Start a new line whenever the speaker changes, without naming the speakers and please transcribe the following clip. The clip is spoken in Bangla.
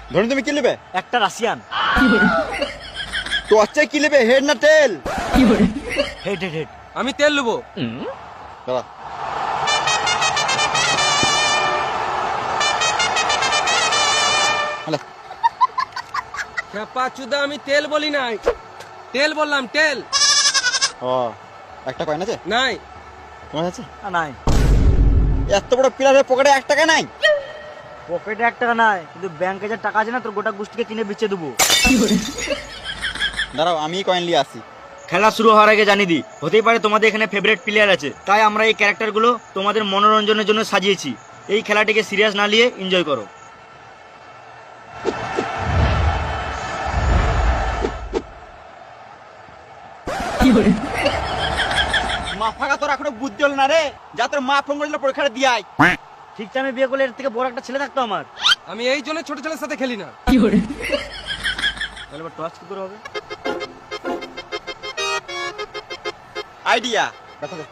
ধরুন তুমি কি নেবে?
একটা রাশিয়ান।
তো আচ্ছা কি নেবে, হেড না টেল?
Head head head.
আমি তেল নেবো।
দাঁড়া। হ্যালো।
খেপা চুদা, আমি তেল বলি নাই, তেল বললাম, তেল।
ও একটা কয়েন আছে?
নাই।
তোমার আছে?
নাই।
এত বড় পিলারের পকেটে 1 টাকা নাই?
পকেটে 1 টাকা নাই, কিন্তু ব্যাংকে যে টাকা আছে না, তোর গোটা গোষ্ঠীকে কিনে বেচে দেবো।
দাঁড়াও আমি কয়েন নিয়ে আসি।
খেলা শুরু হওয়ার আগে জানিয়ে দিই, হতেই পারে তোমাদের এখানে ফেভারিট প্লেয়ার আছে, তাই আমরা এই ক্যারেক্টারগুলো তোমাদের মনোরঞ্জনের জন্য সাজিয়েছি। এই খেলাটিকে সিরিয়াস না নিয়ে এনজয় করো।
মা ফাঁকা তোর এখনো বুদ্ধি হল না রে, যা তোর মা ফোন করেছিল পরীক্ষাটা দিয়ে আয়।
ঠিক আমি বিয়ে করলে এর থেকে বড় একটা ছেলে থাকতো আমার।
আমি এই জন্য ছোট ছেলের সাথে খেলি না।
তাহলে এবার টস কি করে হবে?
আইডিয়া। দেখা যাক।